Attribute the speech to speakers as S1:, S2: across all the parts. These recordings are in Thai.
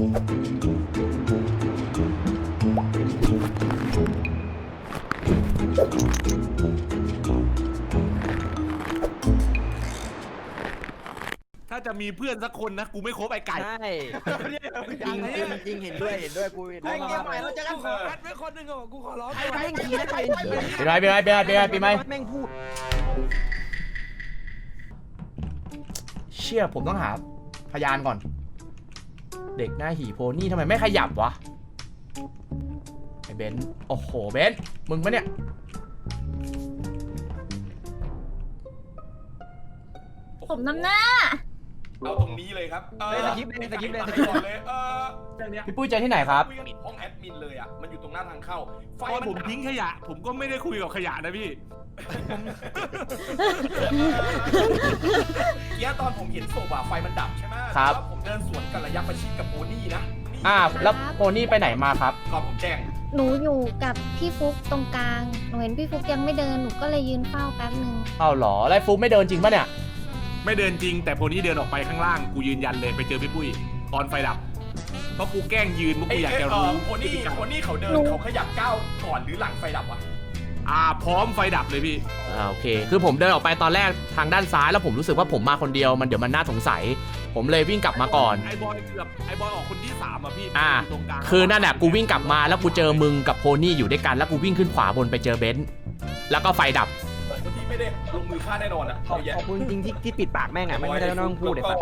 S1: ถ้าจะมีเพื่อนสักคนนะกูไม่คบไอ้ไก่
S2: ใช่จริงจริงเห็นด้วยกูเห็นด้วย
S3: เกมใหม่เราจะกันขอคัดไว้คนหนึ่งอ่ะกูขอร้อง
S2: ไอ้แม่งขี่ได้ไป
S4: ปีใหม่
S2: แม่งพูด
S4: เชี่ยผมต้องหาพยานก่อนเด็กหน้าหีโพนี่ทำไมไม่ขยับวะไอ้เบนโอ้โหเบนมึงปะเนี่ย
S5: ผมนำหน้า
S1: เอาตรงนี้เลยครับ
S2: สกิปเลย
S1: เลย
S4: พี่ปุ้ยเจอที่ไหนครับ
S1: ห้องแอดมินเลยอ่ะมันอยู่ตรงหน้าทางเข้าไฟผมทิ้งขยะผมก็ไม่ได้คุยกับขยะนะพี่เมื่อตอนผมเห็นศพอะไฟมันดับใช่ไหมครับผมเดินสวนกับระยะประชิดกับโพนี่นะ
S4: แล้วโพนี่ไปไหนมาครับ
S1: ก่อนผมแจ้ง
S5: หนูอยู่กับพี่ฟุกตรงกลางหนูเห็นพี่ฟุกยังไม่เดินหนูก็เลยยืนเฝ้าแป๊บนึง
S4: อ้าวเหรอแล้วฟุกไม่เดินจริงปะเนี่ย
S1: ไม่เดินจริงแต่โพนี่เดินออกไปข้างล่างกูยืนยันเลยไปเจอพี่ปุ้ยตอนไฟดับเพราะกูแกล้งยืนกูอยากจะรู้โพนี่เขาเดินเขาขยับก้าวก่อนหรือหลังไฟดับวะพร้อมไฟดับเลยพี่
S4: โอเคคือผมเดินออกไปตอนแรกทางด้านซ้ายแล้วผมรู้สึกว่าผมมาคนเดียวเดี๋ยวมันน่าสงสัยผมเลยวิ่งกลับมาก่อน
S1: ไอ้บอยออกคนที่3อ่ะพี่ตรงกลาง
S4: คือนั่นแหละกูวิ่งกลับมาแล้วกูเจอมึงกับโพนี่อยู่ด้วยกันแล้วกูวิ่งขึ้นขวาบนไปเจอเบนซ์แล้วก็ไฟดับ
S1: คนที่ไม่ได้ลงมือฆ่าแน่นอนอ่ะ
S2: ขอบคุณจริงที่ปิดปากแม่งอ่ะไม่ได้ต้องพูดเลย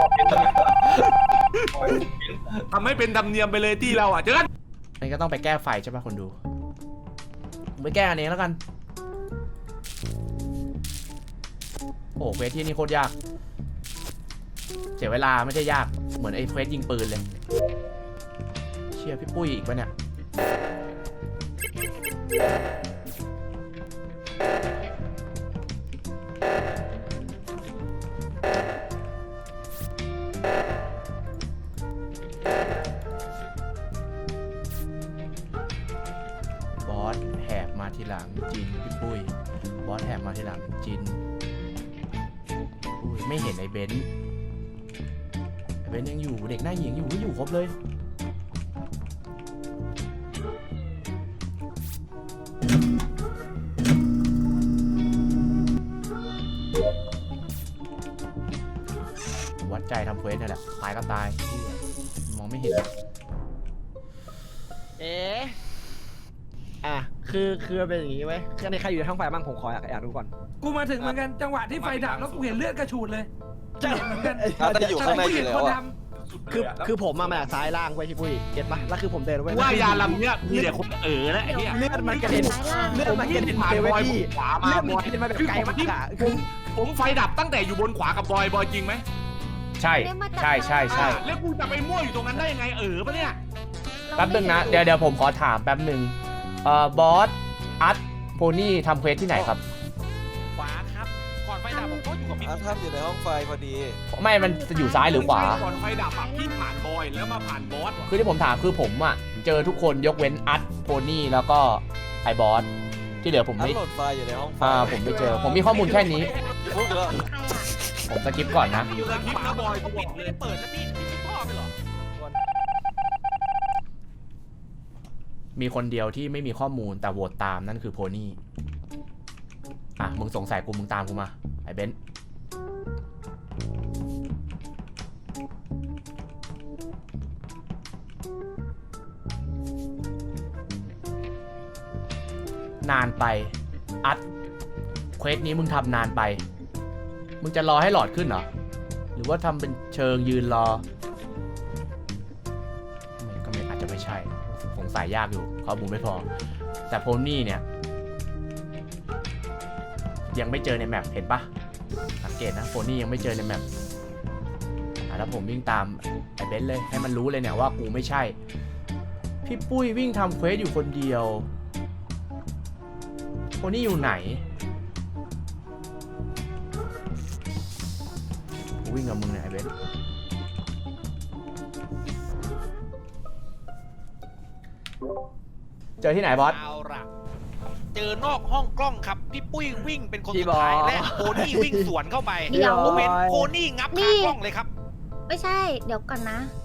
S1: ทำให้เป็นธรรมเนียมไปเลยที่เราอ่ะเจอกัน
S4: นี่ก็ต้องไปแก้ไฟใช่ป่ะคนดูไปแก้อันนี้แล้วกันโอ้เควสที่นี่โคตรยากเสียเวลาไม่ได้ยากเหมือนไอ้เควสยิงปืนเลยเชี่ยพี่ปุ้ยอีกปะเนี่ยบอสแหกมาทีหลังจินพี่ปุ้ยบอสแหกมาทีหลังจินไม่เห็นไอ้เบนซ์ยังอยู่เด็กหน้าหญิงอยู่ครบเลยวัดใจทำเควสนี่แหละตายก็ตายมองไม่เห็น
S2: คือเป็นอย่างนี้ไว้คือในใครอยู่ในห้องไฟบ้างผมขออยากดูก่อน
S3: กูมาถึงเหมือนกันจังหวะที่ไฟดับแล้วกูเห็นเลือดกระฉูดเลย
S2: ใช่
S3: เหมือนกัน
S6: แต่อยู่ข้างในอยู่แล้วอ่ะ
S2: คือผมมาจากซ้ายล่างไว้พี่ปุ้ยเก็ตปะแล้วคือผมเดินไว้
S1: ว่ายาลำเนี้ยมีแต่คนนะไอ้เนี่ย
S2: เลือดมันกระเด็น
S1: ผ่านบอยขวามา
S2: บอยมาแบบไกลมากอะ
S1: ผมไฟดับตั้งแต่อยู่บนขวากับบอยจริงไหม
S4: ใช่
S1: แล้วกูจะไปมั่วอยู่ตรงนั้นได้ยังไงปะเนี่ย
S4: แป๊บนึงนะเดี๋ยวผมขอถามแป๊บนึงบอสอัดโพนี่ทำเควสที่ไหนครับ
S1: ขวาครับก่อนไฟดับผมก็อยู่กับพี่
S6: ท่านอยู่ในห้องไฟพอดี
S4: ไม่มันจะอยู่ซ้ายหรือขวา
S1: ก่อนไฟดับพี่ผ่านบอยแล้วมาผ่านบอส
S4: คือที่ผมถามคือผมอ่ะเจอทุกคนยกเว้นอัดโพนี่แล้วก็ไอ้บอสที่เหลือผมไม่
S6: โหลดไฟอยู่ในห้องไฟ
S4: ผมไม่เจอผมมีข้อมูลแค่นี้ผมสกิปก่อนนะ
S1: อยู่สกิปนะบอยกูปิดเลยเปิดแล้วพี่พ่อไปหรอ
S4: มีคนเดียวที่ไม่มีข้อมูลแต่โหวตตามนั่นคือโพนี่มึงสงสัยกูมึงตามกูมาไอ้เบนซ์นานไปอัดเควสนี้มึงทำนานไปมึงจะรอให้หลอดขึ้นเหรอหรือว่าทำเป็นเชิงยืนรอก็ไม่อาจจะไม่ใช่สงสัยยากอยู่ข้อมูลไม่พอแต่โพนี่เนี่ยยังไม่เจอในแมปเห็นปะสังเกตนะโพนี่ยังไม่เจอในแมปแล้วผมวิ่งตามไอ้เบนซ์เลยให้มันรู้เลยเนี่ยว่ากูไม่ใช่พี่ปุ้ยวิ่งทำเควสอยู่คนเดียวโพนี่อยู่ไหนกูวิ่งกับมึงเนี่ยไอ้เบนซ์เจอที่ไหนบอส
S1: เอาล่ะเจอนอกห้องกล้องครับพี่ปุ้ยวิ่งเป็นคนสุดท้ายและโพนี่วิ่งสวนเข้าไปผมเห็นโพนี่งับขากล้องเลยครับ
S5: ไม่ใช่เดี๋ยวก่อนนะ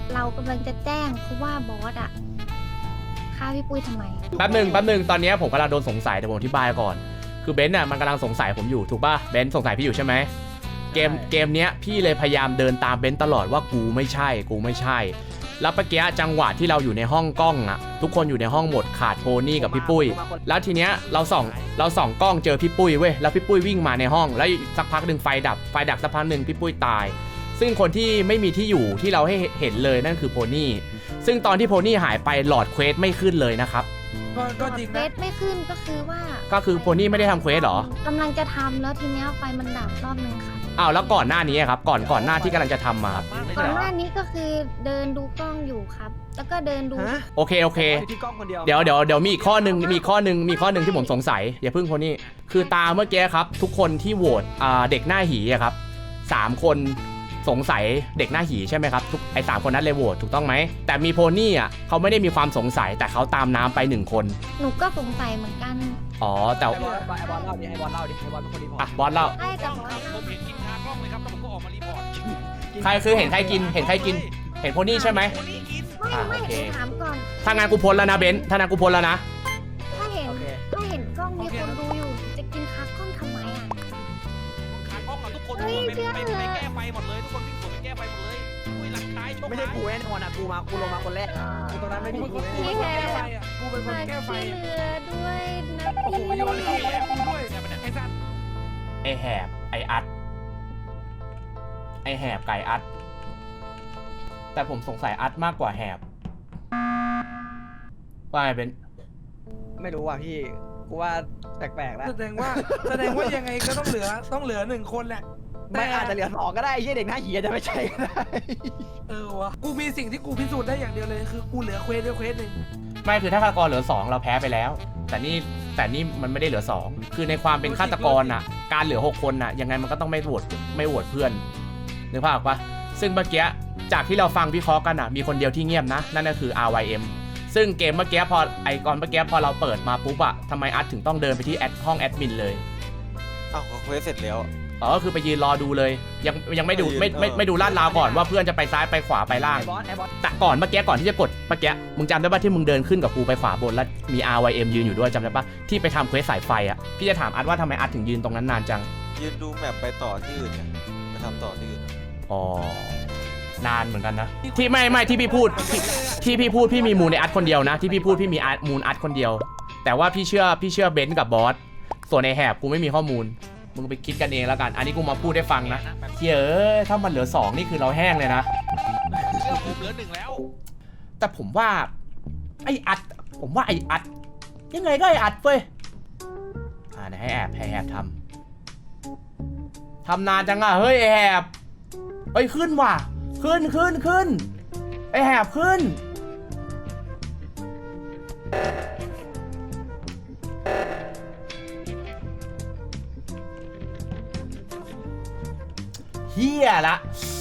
S5: เรากำลังจะแจ้งเพราะว่าบอสอะฆ่าพี่ปุ้ยทำไม
S4: แป๊บหนึ่งตอนนี้ผมกำลังโดนสงสัยแต่ผมอธิบายก่อนคือเบนซ์น่ะมันกำลังสงสัยผมอยู่ถูกป่ะเบนซ์สงสัยพี่อยู่ใช่ไหมเกมเนี้ยพี่เลยพยายามเดินตามเบนซ์ตลอดว่ากูไม่ใช่แล้วเมื่อกี้จังหวะที่เราอยู่ในห้องกล้องอะทุกคนอยู่ในห้องหมดขาดโพนี่กับพี่ปุ้ยแล้วทีเนี้ยเราส่องกล้องเจอพี่ปุ้ยเว้ยแล้วพี่ปุ้ยวิ่งมาในห้องแล้วสักพักหนึ่งไฟดับสักพักหนึ่งพี่ปุ้ยตายซึ่งคนที่ไม่มีที่อยู่ที่เราให้เห็นเลยนั่นคือโพนี่ซึ่งตอนที่โพนี่หายไปหลอดเควสไม่ขึ้นเลยนะครับ
S3: ก็จริง
S5: เคว
S3: นะ
S5: สไม่ขึ้นก็คือว่า
S4: ก็คือโพนี่ไม่ได้ทำเควสหรอก
S5: ำลังจะทำแล้วทีเนี้ยไฟมันดับรอบนึงค่ะ
S4: อ้าวแล้วก่อนหน้านี้ครับก่อนหน้าที่กำลังจะทำมาครับ
S5: ก่อนหน้านี้ก็คือเดินดูกล้องอยู่ครับ แล้วก็เดินดู
S2: ฮะ
S4: โอเค
S2: ที่กล้องคนเดียว
S4: เดี๋ยวมีอีกข้อหนึ่งที่ผมสงสัยอย่าเพิ่งโพนี่คือตาเมื่อกี้ครับทุกคนที่โหวตเด็กหน้าหีอะครับ3 คนสงสัยเด็กหน้าหีใช่ไหมครับทุกไอ้3 คนนั้นเลยโหวตถูกต้องไหมแต่มีโพนี่อ่ะเขาไม่ได้มีความสงสัยแต่เขาตามน้ำไป1 คน
S5: หนูก็สงสัยเหมือนกัน
S4: อ๋อแต่
S2: ไอบอลเล่าดิไอบอลเป็นคนรีพอร์ต
S4: อ่ะบอสเล่า
S5: ใช่แต่บอส
S7: ผมเห็นกินคากล้องเลยครับแล้วผมก็ออกมารีพอร์ต
S4: ใครคือเห็นใครกินเห็นโพนี่ใช่ไหม
S7: คนนี้กิน
S5: ไม่
S4: โอเค
S5: ถามก่อน
S4: ถ้างานกูพ้นแล้วนะเบนซ์ถ้างานกูพ้นแล้วนะ
S5: ถ้าเห็นกล้องมีคนดูอยู่ จะกินคักกล้องทำไมอ่ะ
S7: คากล้องอะทุกคน
S5: เฮ้ย
S7: ไป
S5: เพื่อน
S7: แก้ไฟหมดเลยทุกคนวิ่งสวนไปแก้ไฟหมดเลยอุ้ยหลังท้ายโชค
S2: ไม่ใช่กูแน่นอนอ่ะกูลงมาคนแรกกูตรงนั้นไม่
S3: กู
S2: มี
S3: เป็น
S2: กู
S3: คน
S2: แน่
S3: กูเป็นคนแก้ไฟ
S5: มา
S3: อ่ะ
S5: ช่วยเหลือด้วยนะ
S3: โอ้โหโยนขี้แม่กูด้วยไอ้สัตว์
S4: ไอแหบไออัดไอแหบไก่อัดแต่ผมสงสัยอัดมากกว่าแหบว่าไงเบนซ์
S2: ไม่รู้ว่ะพี่กูว่าแปลกๆแล้ว
S3: แสดงว่ายังไงก็ต้องเหลือ1 คนแหละ
S2: ไม่อาจจะเหลือ2ก็ได้ไอ้เหี้ยเด็กหน้าหีอาจจะไม่ใช่ก็ได้
S3: วะกูมีสิ่งที่กูพิสูจน์ได้อย่างเดียวเลยคือกูเหลือเควสหนึ่ง
S4: ไม่คือถ้าฆาตกรเหลือ2เราแพ้ไปแล้ว แต่นี่มันไม่ได้เหลือ2คือในความเป็นฆาตกรน่ะการเหลือ6 คนน่ะยังไงมันก็ต้องไม่โหวตเพื่อนนึกภาพออกปะซึ่งเมื่อกี้จากที่เราฟังวิเคราะห์กันน่ะมีคนเดียวที่เงียบนะนั่นก็คือ RYM ซึ่งเกมเมื่อกี้พอเราเปิดมาปุ๊บอะทำไมอัดถึงต้องเดินไปที่ห้องแอดมินเลย
S6: อ้าวเควสเสร็จแล้ว
S4: อ๋อก็คือไปยืนรอดูเลยยังไม่ดูไม่ดูลาดราวก่อนว่าเพื่อนจะไปซ้ายไปขวาไปล่าง
S2: ไอบอล
S4: แต่ก่อนเมื่อกี้ก่อนที่จะกดเมื่อกี้มึงจำได้ป่ะที่มึงเดินขึ้นกับกูไปขวาบนแล้วมี RYM ยืนอยู่ด้วยจำได้ป่ะที่ไปทำเควสสายไฟอ่ะพี่จะถามอัดว่าทำไมอัดถึงยืนตรงนั้นนานจัง
S6: ยืนดูแมปไปต่อที่อื่นเนี่ยไปทำต่อที่อื่น
S4: อ๋อนานเหมือนกันนะที่ไม่ที่พี่พูดพี่มีมูลในอัดคนเดียวนะที่พี่พูดพี่มีมูลอัดคนเดียวแต่ว่าพี่เชื่อเบนซ์กับบอสส่วนในแหบกูไม่มีข้อมูลมึงไปคิดกันเองแล้วกันอันนี้กูมาพูดให้ฟังนะเฮ้ยถ้ามันเหลือ2นี่คือเราแห้งเลยนะ
S7: เชื่อผมเหลือ1แล้ว
S4: แต่ผมว่าไออัดยังไงก็ไออัดเว้ยเดี๋ยวให้แอบทำนานจังอะเฮ้ยไอแอบเฮ้ยขึ้นว่ะขึ้นไอแอบขึ้นเฮียละ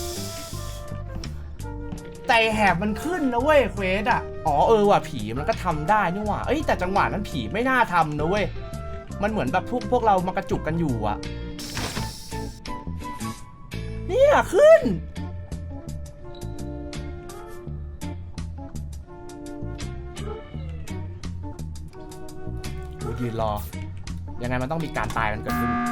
S4: แต่แหบมันขึ้นนะเว้ยเควสอ่ะอ๋อว่ะผีมันก็ทำได้นี่หว่าแต่จังหวะนั้นผีไม่น่าทำนะเว้ยมันเหมือนแบบพวกเรามากระจุกกันอยู่อ่ะเนี่ยขึ้นกูยืนรอยังไงมันต้องมีการตายกันเกิดขึ้น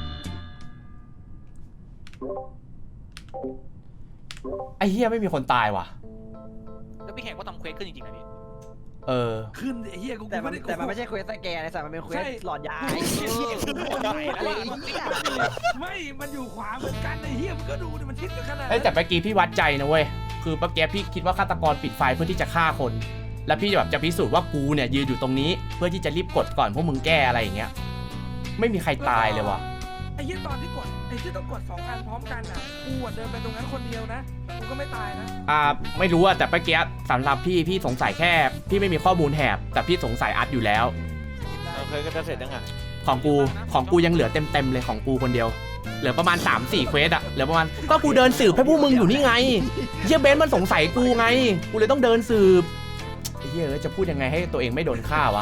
S4: ไอ้เหี้ยไม่มีคนตายว่ะ
S7: แล้วพี่แขกก็ทำเควสขึ้นจริงๆนะพี่
S3: ขึ้นไอ้เหี้ยกู
S2: แต่มันไม่ใช่เควสสแกนไอ้สัตว์มันเป็นเควสหลอดยาไอ้เหี้ย
S3: ไม่มันอยู่ขวาเหมือนกันไอ้เหี้ยมันก็ดูดิมันชิดกันขนาด
S4: แต่เมื่อกี้พี่วัดใจนะเว้ยคือเมื่อกี้พี่คิดว่าฆาตกรปิดไฟเพื่อที่จะฆ่าคนแล้วพี่แบบจะพิสูจน์ว่ากูเนี่ยยืนอยู่ตรงนี้เพื่อที่จะรีบกดก่อนพวกมึงแก้อะไรอย่างเงี้ยไม่มีใครตายเลยว่ะ
S3: ไอ้เหี้ยตอนที่กดไอ้ที่ต้องกด2 อันพร้อมกันอ่ะกูเดินไปตรงนั้นคนเดียวนะกูก็ไม่ตายนะ
S4: ไม่รู้อะแต่เมื่อกี้สำหรับพี่สงสัยแค่พี่ไม่มีข้อมูลแหบแต่พี่สงสัยอัดอยู่แล้ว
S6: เควสก็จะเสร็จยังไง
S4: ของกูยังเหลือเต็มเลยของกูคนเดียวเหลือประมาณ 3-4 เควสอะเหลือประมาณก็กูเดินสืบให้พวกมึงอยู่นี่ไงเหี้ยเบนซ์มันสงสัยกูไงกูเลยต้องเดินสืบไอ้เหี้ยจะพูดยังไงให้ตัวเองไม่โดนฆ่าวะ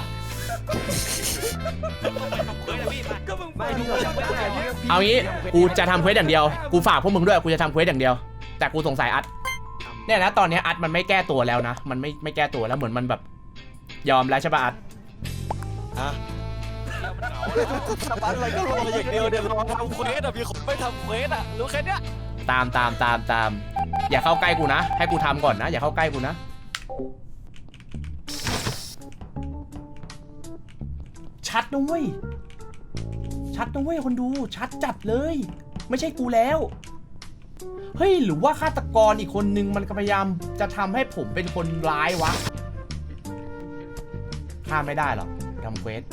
S7: ทำเควสนะพี่มา
S3: ก็มึง
S2: ไม่พี่เราไม่ได้
S4: เอางี้กูจะทำเควสอย่างเดียวกูฝากพวกมึงด้วยกูจะทำเควสอย่างเดียวแต่กูสงสัยอัด
S2: ท
S4: เนี่ยนะตอนเนี้ยอัดมันไม่แก้ตัวแล้วนะมันไม่แก้ตัวแล้วเหมือนมันแบบยอมแล้วใช่ป่ะอัด
S6: ฮะ
S7: เดียวมันเหงา
S6: ทำอะไรก็รออย่างเดียวเดี๋ยวรอทำเควสอ่ะมีคนไม่ทำเควสอ่ะรู้แค่เนี้ย
S4: ตามอย่าเข้าใกล้กูนะให้กูทำก่อนนะอย่าเข้าใกล้กูนะชัดนะเว้ยคนดูชัดจัดเลยไม่ใช่กูแล้วเฮ้ยหรือว่าฆาตกรอีกคนนึงมันก็พยายามจะทำให้ผมเป็นคนร้ายวะฆ่าไม่ได้หรอกทำเควส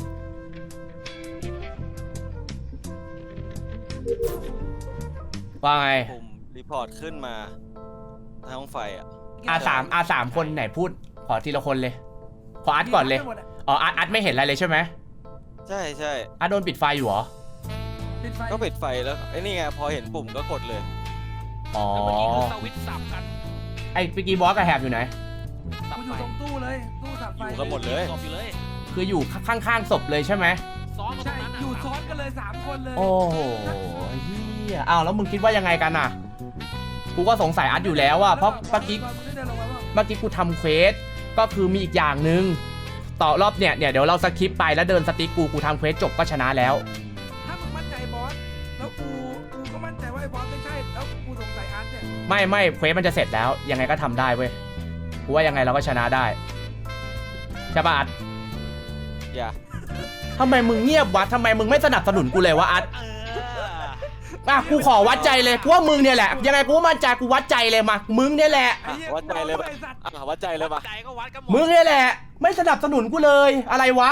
S4: ว่าไง
S6: ผมรีพอร์ตขึ้นมาทางห้องไฟอ่ะ
S4: R3 คนไหนพูดขอทีละคนเลยขออัดก่อนเลยอ๋ออัดไม่เห็นอะไรเลยใช่ไหม
S6: ใช่ใช่
S4: อัดโดนปิดไฟอยู่เหรอ
S3: ปิดไฟ
S6: ก็ปิดไฟแล้วไอ้นี่ไงพอเห็นปุ่มก็กดเลย
S4: อ๋อ
S7: แล้วเมื่อกี้คือสวิตช์สับกัน
S4: ไอ้ปิกกี้บอสกับแฮบอยู่ไหน
S7: สับ
S3: กูอ
S7: ไฟ
S3: ยู่ตรงตู้เลยตู้สับไฟ
S6: อยู่กันหมดเลย
S7: ศพอยู่เลย
S4: คืออยู่ข้างๆศพเลยใช่ไหม
S7: ซ้อนกันตร
S3: ใช่
S7: งนั้นอะ
S3: อยู่ซ้อนกันเลย3 คนเลย
S4: โอ้โหเฮียอ้าวแล้วมึงคิดว่ายังไงกันน่ะกูก็สงสัยอัดอยู่แล้วอะเพราะเมื่อกี้กูทำเควสก็คือมีอีกอย่างหนึ่งต่อรอบเนี่ยเดี๋ยวเราสคิปไปแล้วเดินสติ๊กกูทำเควสจบก็ชนะแล้ว
S3: ถ้ามึงมั่นใจบอสแล้วกูก็มั่นใจว่าไอ้บอสไม่ใช่แล้วกูสงสัยอาร์ตเนี่ย
S4: ไม่เควสมันจะเสร็จแล้วยังไงก็ทำได้เว้ยกูว่ายังไงเราก็ชนะได้ใช่ปะอัด
S6: อย่า
S4: ทำไมมึงเงียบวะทำไมมึงไม่สนับสนุนกูเลยวะอัดอ่ะกูขอวัดใจเลยกูว่ามึงเนี่ยแหละยังไงกูมั่นใจกูวัดใจเลยมามึงเนี่ยแหละ
S3: ไอ้เหี้ย
S6: วัดใจเลย
S3: กู
S6: ปะ
S3: ไอ้สัตว์
S6: วัดใจเลยปะ
S7: ใจก็วัดกันหมด
S4: มึงเนี่ยแหละ ไม่สนับสนุนกูเลยอะไรวะ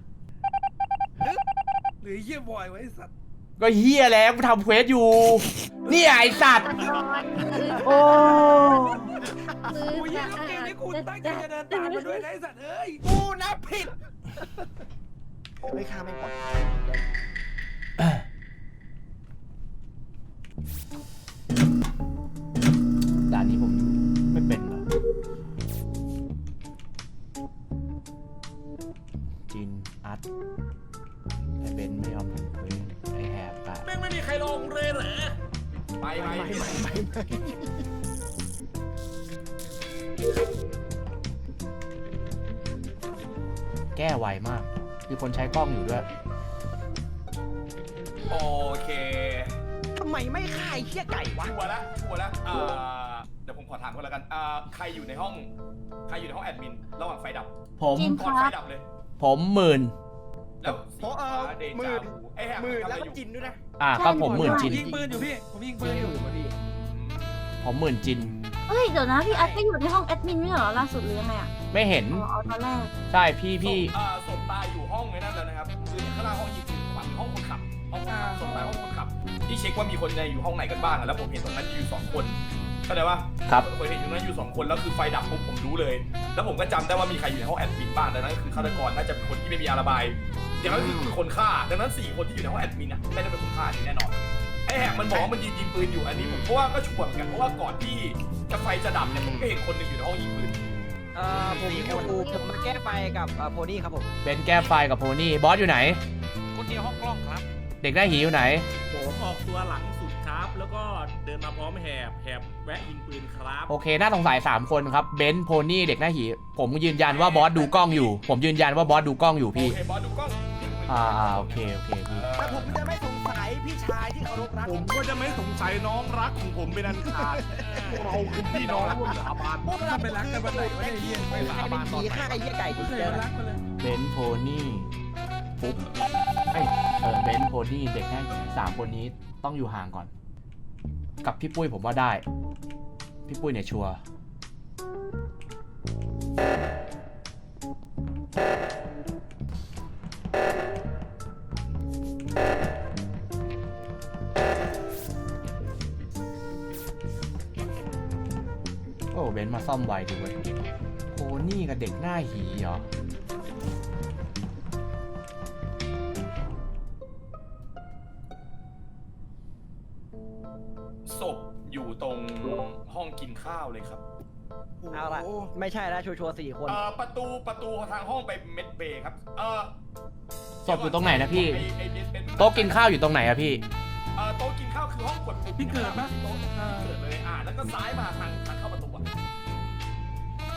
S3: หรือไอ้เหี้ยบอยไว้ไอ้สัตว์
S4: ก็เฮียแล้วกูทำเควสอยู่นี่ไอสัตว์โอ้
S3: กูยิงลูกเกมนี้กูตั้งใจจะเดินตามมาด้วยนะไอ้สัตว์เอ้ยกูนับผิด
S2: ไม่ฆ่าไม่ปล่อย
S4: ด่านนี้ผมไม่เป็นหรอกจินอัดไอเบนไม่ยอมทำเควสไอแฮบตาย
S1: แม่งไม่มีใครลงเลยเหรอไป
S4: แก้ไวมากมีคนใช้กล้องอยู่ด้วย
S1: โอเค
S2: ทำไมไม่ฆ่าไอ้เหี้ยไก่วะ
S1: ชัวร์แล้วเดี๋ยวผมขอถามก่อนแล้วกันใครอยู่ในห้องแอดมินระหว่างไฟดับ
S4: ผม
S1: ก่อนไฟดับเลย
S4: ผมหมื่น
S1: แล้วสีฟ้าเดจาวูไอ้แฮม
S2: มือ
S1: ทำอะ
S2: แล้ว
S1: ไร
S2: ก็
S1: อยู่
S2: จินด้วยนะ
S4: ก็ผมหมื่นจิน
S3: ยิงปืนอยู่พี่ผมยิงปืนอยู่
S4: ผมหมื่นจิน
S8: เฮ้ยเดี๋ยวนะพี่อัดก็อยู่ในห้องแอดมินไม่ใช่เหรอล่าสุดหรือยังไงอ่ะ
S4: ไม่เห็น
S8: อ๋อเอาตอนแรก
S4: ใช่พี่
S1: ศพตายอยู่ห้องไอ้นั่นแล้วนะครับคือข้างล่างห้องยิงปืนขวาห้องคนขับศพตายห้องคนขับที่เช็คว่ามีคนในอยู่ห้องไหนกันบ้างแล้วผมเห็นตรงนั้นอยู่2 คนเข้าใจปะ
S4: ครับ
S1: เคยเห็นอยู่นั้นอยู่2 คนแล้วคือไฟดับผมรู้เลย แล้วผมก็จำได้ว่ามีใครอยู่ในห้องแอดมินบ้างดังนั้นคือฆาตกรน่าจะเป็นคนที่ไม่มีอาระบายอย่างนั้นคือคนฆ่าดังนั้น4 คนที่อยู่ในห้องแอดมินไม่ได้เป็นคนฆ่าแน่นอนไอ้แฮมมันบอกว่ามันยิงปืนอยู่อันนี้ผมเพราะว่าก็ชัวร์เหมือนกันเพราะว่าก่อนที่ไฟจะดับเนี่ยผมก็เห็นคนหนึ่งอยู่ในห้องยิงปืน
S2: ผมมาแก้ไฟกับโพนี่ครับผม
S4: เบนแก้ไฟกับโพนี่บอสอยู่ไหน
S7: คนเดียวห้องกล้องครับ
S4: เด็กหน้าหีอยู่ไหน
S9: ผมออกตัวหลังสุดครับ แล้วก็เดินมาพร้อมแหบแวะยิงปืนครับ
S4: โอเคน่าสงสัย3 คนครับเบนโพนี่เด็กหน้าหีผมยืนยันว่าบอสดูกล้องอยู่ ผมยืนยันว่าบอสดูกล้องอยู่พี่
S1: โอเคบอสดูกล้อง
S4: โอเคพี่
S2: แต่ผมจะไม่สงสัยพี่ชายที่เคารพรัก
S9: ผมก็จะไม่สงสัยน้องรักของผมเป็นอันขาดพวกเราคือพี่น้องร่วมสาบาน
S3: พวกเราไปรักกันวันไหนวะไอ้เหี้ย
S7: ไม่สาบานตอน
S2: ผี
S7: ไหน
S2: ฆ่าไอ้เหี้ยไก่
S3: ไม่
S2: ที่
S3: เค
S2: เจ
S3: ย
S2: อ
S3: รักกันเลย
S4: เบนโพนี่ปุ๊บเบนโพนี่เด็กหน้าหี3 คนนี้ต้องอยู่ห่างก่อน กับพี่ปุ้ยผมว่าได้ พี่ปุ้ยเนี่ยชัวร์โอ้เบนซ์มาซ่อมไวดีเว้ยโพนี่กับเด็กหน้าหีเหรอ
S1: ศพอยู่ตรงห้องกินข้าวเลยครับ
S2: เอาละไม่ใช่แล้วชัวร์4 คน
S1: ประตูทางห้องไปเม็ดเบย์ครับ
S4: ศพอยู่ตรงไหนนะพี่
S1: ไอ้เป็น
S4: โต๊ะกินข้าวอยู่ตรงไหนอะพี่
S1: โต๊ะกินข้าวคือห้องกดปุ่ม
S3: พี่เกิดปะ
S1: โต๊ะเกิดเลยแล้วก็ซ้ายมาทางเข้าประตูอะ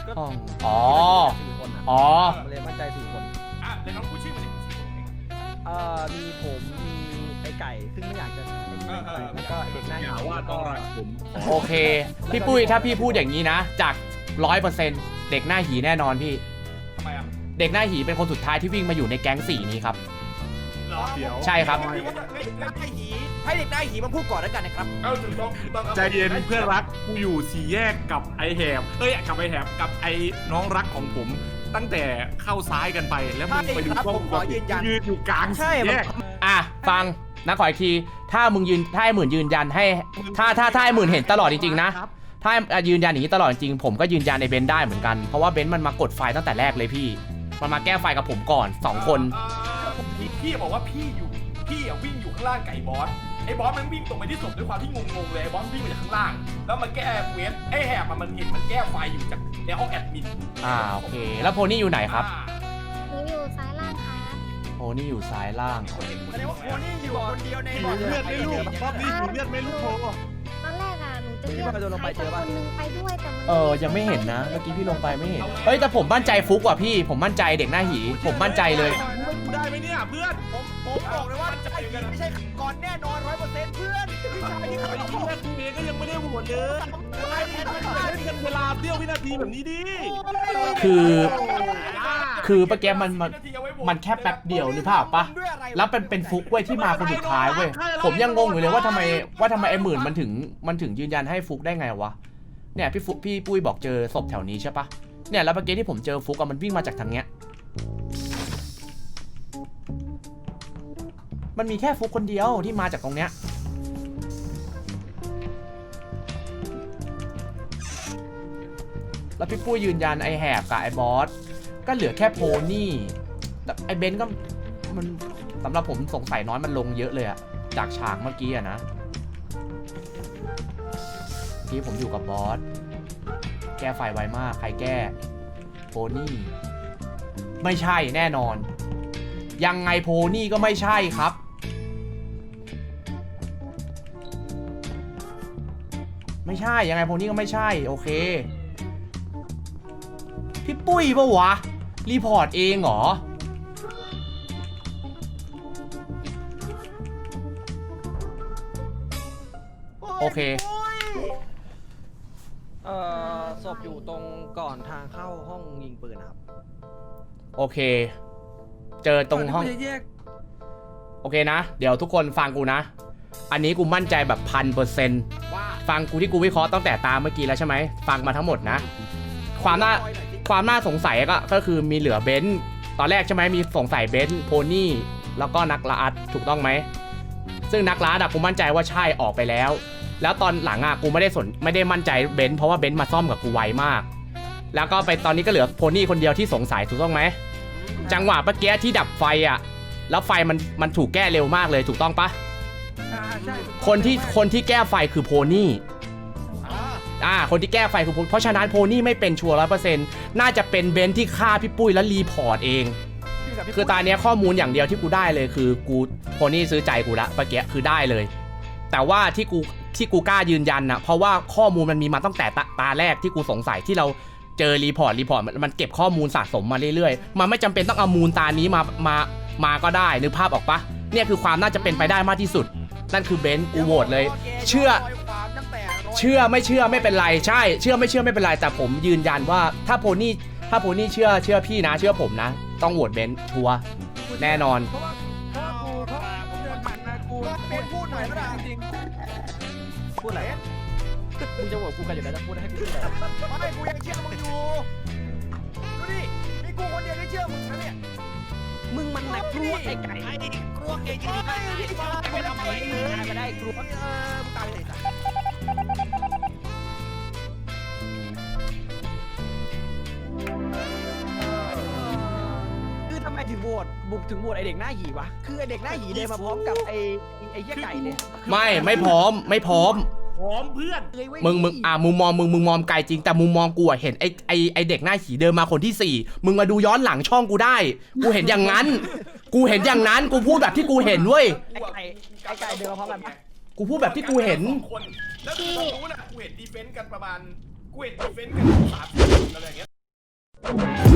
S4: ห้องอ๋อ
S2: 4 คนอะ
S4: อ๋อ
S2: มันเลยมั่นใจ4 คน
S1: อ่ะเดี๋ยวน้องพูดชื่อมาดิ
S2: มีผมมีไอ้ไก่ซึ่งไม่อยากจะแล้วก็เด็กหน้า
S9: อย่าว่าต้องรักผม
S4: โอเค พี่ปุ้ยถ้าพี่พูดอย่างนี้นะ จาก 100%เด็กหน้าหีแน่นอนพี่
S1: ทำไมอ่ะ
S4: เด็กหน้าหีเป็นคนสุดท้ายที่วิ่งมาอยู่ในแก๊ง4นี้ครับ
S1: เหรอ
S9: เดี๋ยว
S4: ใช่ครับ
S6: ให้เด็กได้หีมาพูดก่อนแล้วกันนะครับ
S1: เอาถูกต้องถูกต้องครับ
S9: ใจเย็นเพื่อนรักกูอยู่สี่แยกกับไอแหบกับไอแหบกับไอน้องรักของผม ตั้งแต่เข้าซ้ายกันไปแล้วมึงไปดู
S6: ใช่ครับ
S9: กล้อง
S6: ผมขอยืนยัน
S9: ยืนอยู่กลาง
S6: ใช่
S9: สี่แยก
S4: อ่ะฟังนะขออีกทีถ้าไอ้หมื่นยืนยันให้ถ้าไอ้หมื่นเห็นตลอดจริงๆนะถ้ายืนยันอย่างนี้ตลอดจริงผมก็ยืนยันในเบนซ์ได้เหมือนกันเพราะว่าเบนซ์มันมากดไฟตั้งแต่แรกเลยพี่มันมาแก้ไฟกับผมก่อน2 คน
S1: พี่บอกว่าพี่วิ่งอยู่ข้างล่างไก่บอสไอ้บอสมันวิ่งตรงไปที่ศพด้วยความที่งงๆเลยไอ้บอสวิ่งมาจากข้างล่างแล้วมันแก้เควสไอ้แหบมันเห็นมันแก้ไฟอยู่จากในห้องแอดมิน
S4: โอเคแล้วโพนี่อยู่ไหนครับ
S5: หนูอยู่ซ้ายล่างครับ
S4: โพนี่อยู่ซ้ายล่าง
S6: แสดงว่าโคนี่อยู่คนเดียวใน
S9: หิวเลือดไหม่ลูกรอบนี้หิวเลือดไหม่ลูกโพ
S5: ตอนแรกอ่ะหนูจะเรียกใครสักคนนึงไปด้วยแต่มัน
S4: ยังไม่เห็นนะเมื่อกี้พี่ลงไปไม่เห็นเฮ้ยแต่ผมมั่นใจฟุกว่ะพี่ผมมั่นใจเด็กหน้าหีผมมั่นใจเลย
S9: กูได้ไหมเนี่ยเพื่อน
S6: ผมบอกเลยว่าได้หีไม่ใช่ก่อนแน่นอน 100%เพื่อนพี่ชายที่
S9: ไอ้
S6: เขา
S9: เหี้ยกูเองก็ยังไม่ได้โหวตเลยไอ้แทนไม่ได้กันเวลาเสี้ยววินาทีแบบนี้ดิ
S4: คือเมื่อกี้มันแค่แป๊บเดียวนึกภาพปะแล้วเป็นฟุกเว้ยที่มาคนสุดท้ายเว้ยผมยังงงอยู่เลยว่าทำไมไอ้หมื่นมันถึงยืนยันให้ฟุกได้ไงวะเนี่ยพี่ปุ้ยบอกเจอศพแถวนี้ใช่ปะเนี่ยแล้วเมื่อกี้ที่ผมเจอฟุกมันวิ่งมาจากทางเนี้ยมันมีแค่ฟุกคนเดียวที่มาจากตรงเนี้ยแล้วพี่ปุ้ยยืนยันไอแหบกับไอบอสก็เหลือแค่โพนี่แต่ไอเบนซ์ก็มันสำหรับผมสงสัยน้อยมันลงเยอะเลยอะจากฉากเมื่อกี้อะนะที่ผมอยู่กับบอสแก้ไฟไวมากใครแก้โพนี่ไม่ใช่แน่นอนยังไงโพนี่ก็ไม่ใช่ครับไม่ใช่ยังไงโพนี่ก็ไม่ใช่โอเคพี่ปุ้ยปะวะรีพอร์ตเองเหรอโอเค
S2: ศพอยู่ตรงก่อนทางเข้าห้องยิงปืนครับ
S4: โอเคเจอตรงห้อง โอเคนะเดี๋ยวทุกคนฟังกูนะอันนี้กูมั่นใจแบบ1,000%ฟังกูที่กูวิเคราะห์ตั้งแต่ตามเมื่อกี้แล้วใช่ไหมฟังมาทั้งหมดนะความน่าสงสัยก็คือมีเหลือเบนซ์ตอนแรกใช่ไหมมีสงสัยเบนซ์โพนี่แล้วก็นักล่าถูกต้องไหมซึ่งนักล่ากูมั่นใจว่าใช่ออกไปแล้วแล้วตอนหลังกูไม่ได้มั่นใจเบนซ์เพราะว่าเบนซ์มาซ่อมกับกูไวมากแล้วก็ไปตอนนี้ก็เหลือโพนี่คนเดียวที่สงสัยถูกต้องไหมจังหวะเมื่อกี้ที่ดับไฟแล้วไฟมันถูกแก้เร็วมากเลยถูกต้องปะคนที่แก้ไฟคือโพนี่คนที่แก้ไฟคือเพราะฉะนั้นโพนี่ไม่เป็นชัวร์100%น่าจะเป็นเบนซ์ที่ฆ่าพี่ปุ้ยแล้วรีพอร์ตเองคือตอนนี้ข้อมูลอย่างเดียวที่กูได้เลยคือกูโพนี่ซื้อใจกูละเมื่อกี้คือได้เลยแต่ว่าที่กูกล้ายืนยันนะเพราะว่าข้อมูลมันมีมาตั้งแต่ตาแรกที่กูสงสัยที่เราเจอรีพอร์ตมันเก็บข้อมูลสะสมมาเรื่อยๆมันไม่จำเป็นต้องเอามูลตานี้มาก็ได้นึกภาพออกปะเนี่ยคือความน่าจะเป็นไปได้มากที่สุดนั่นคือเบนซ์กูโหวตเลยเชื่อไม่เชื่อไม่เป็นไรใช่เชื่อไม่เป็นไรแต่ผมยืนยันว่าถ้าโพนี่เชื่อพี่นะเชื่อผมนะต้องโหวตเบนซ์ชัวร์แน่นอน
S6: พูดหน่อยก็ได้จริง
S2: พูดอะไรมึงจะโหวตกูกันอยู่แล้วจะพูดให้พี่พูดอะไร
S6: ไม่กูยังเชื่อมึงอยู่ดูดิมีกูคนเดียวที่เชื่อมึงนะเนี่ย
S2: มึงมันหนักกลัวไอ้ไก่
S6: กลัวเก่งจริงๆไม่ทำอะไรเลย
S2: ไม่ได้กลัว
S6: มึงตายไปไหนสัก
S2: คือทำไมถึงโหวตบุกถึงโหวตไอเด็กหน้าหีวะคือไอเด็กหน้าหีเดินมาพร้อมกับไอเหี้ยไก่เลย
S4: ไม่พร้อม
S9: พร้อมเพื่อน
S4: มึงมุมมองไกลจริงแต่มุมมองกูเห็นไอเด็กหน้าหีเดินมาคนที่4มึงมาดูย้อนหลังช่องกูได้กูเห็นอย่างนั้นกูพูดแบบที่กูเห็นเว้ย
S2: ไอไก่เดินมาพร้อมกันปะ
S4: กูพูดแบบที่กูเห็น
S1: แล้วตรงนู้นกูเห็นดีเฟนต์กันประมาณกูเห็นดีเฟนต์กัน30 คนอะไรอย่างเงี้ยเ